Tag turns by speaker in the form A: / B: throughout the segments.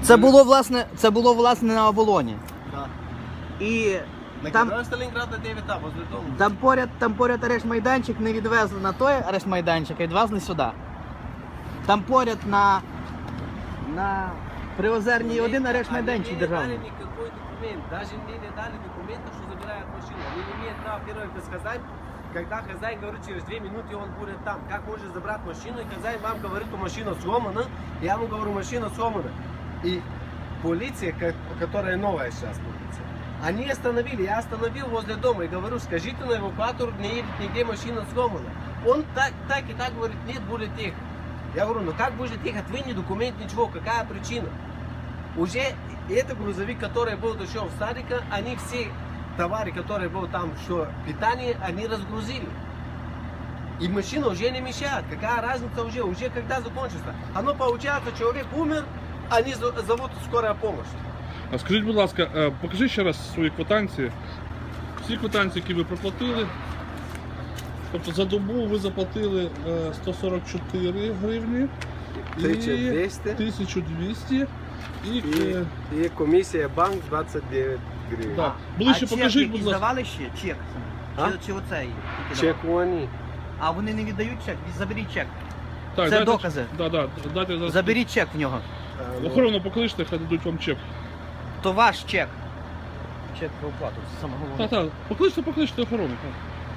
A: Це було власне на Оболоні.
B: Да.
A: І
B: На
A: там,
B: Кірові Сталінграда 9А, возле дому.
A: там поряд арешт-майданчик, не відвезли на той арешт-майданчик, а відвезли сюди. Там поряд на Приозерній один арешт-майданчик
B: Они
A: державний.
B: не дали никакой документ, даже мне не дали документа, что забирают машину. Они не имеют права первое сказать, когда хозяин говорит, через 2 минуты он будет там. Как может забрать машину, и хозяин вам говорит, что машина сломана, я ему говорю, машина сломана. И полиция, которая новая сейчас полиция, они остановили, я остановил возле дома и говорю, скажите на эвакуатор, не едет нигде, машина сломана. Он так и так говорит, нет, будет ехать. Я говорю, ну как будет ехать, вы не документ, ничего, какая причина? Уже этот грузовик, который был еще в садике, они все товары, которые был там, что питание, они разгрузили. И машина уже не мешает. Какая разница уже когда закончится? Оно получается, человек умер, они зовут скорая помощь.
C: А скажіть, будь ласка, покажіть ще раз свої квитанції. Всі квитанції, які ви проплатили. Тобто за добу ви заплатили 144 гривні.
B: 1200.
C: 1200.
B: И комиссия банк 29 гривен.
C: Так. Ближче покажіть, будь ласка.
A: Здавали ще чек?
B: А?
A: Чи оцей?
B: Чек они.
A: А вони не віддають чек? Заберіть чек.
C: Так,
A: Це докази.
C: Дайте зараз.
A: Заберіть чек в нього.
C: Охорону покличте, хай дадуть вам чек.
A: То ваш чек. Чек про оплату, це саме головне.
C: Так, покличте охорону. Так.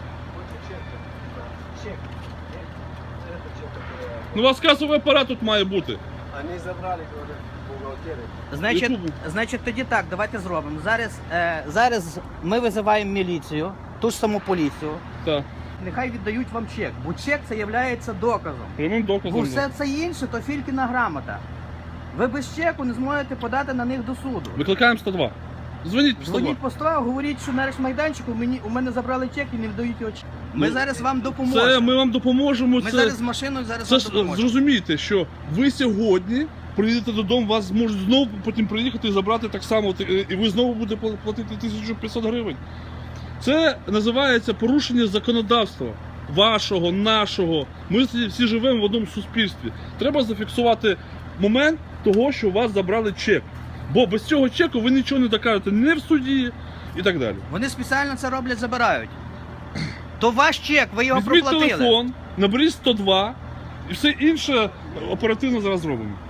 B: Чек. Это чек, который...
C: Ну у вас касовий апарат тут має бути.
B: Они забрали, говорят, бухгалтеры.
A: Значить, тоді так, давайте зробимо. Зараз ми визиваємо міліцію, ту ж саму поліцію.
C: Так.
A: Нехай віддають вам чек, бо чек це є доказом.
C: Прямим
A: Бо
C: доказом.
A: все це інше, то фількіна грамота. Ви без чеку не зможете подати на них до суду.
C: Викликаємо 102. Дзвоніть по 102.
A: Дзвоніть по 100, говоріть, що на арешт-майданчику у мене забрали чек і не віддають його чек. Ми
C: Ну,
A: зараз вам допоможемо.
C: Це ми вам допоможемо.
A: Ми
C: це...
A: зараз з машиною
C: Це
A: вам
C: ж
A: допоможемо.
C: зрозумійте, що ви сьогодні приїдете додому, вас можуть знову потім приїхати і забрати так само, і ви знову будете платити 1500 гривень. Це називається порушення законодавства. Вашого, нашого. Ми всі живемо в одному суспільстві. Треба зафіксувати момент того, що у вас забрали чек. Бо без цього чеку ви нічого не докажете ні в суді і так далі.
A: Вони спеціально це роблять, забирають. То ваш чек, ви його
C: Візьміть
A: проплатили.
C: телефон, наберіть 102 і все інше оперативно зараз зробимо.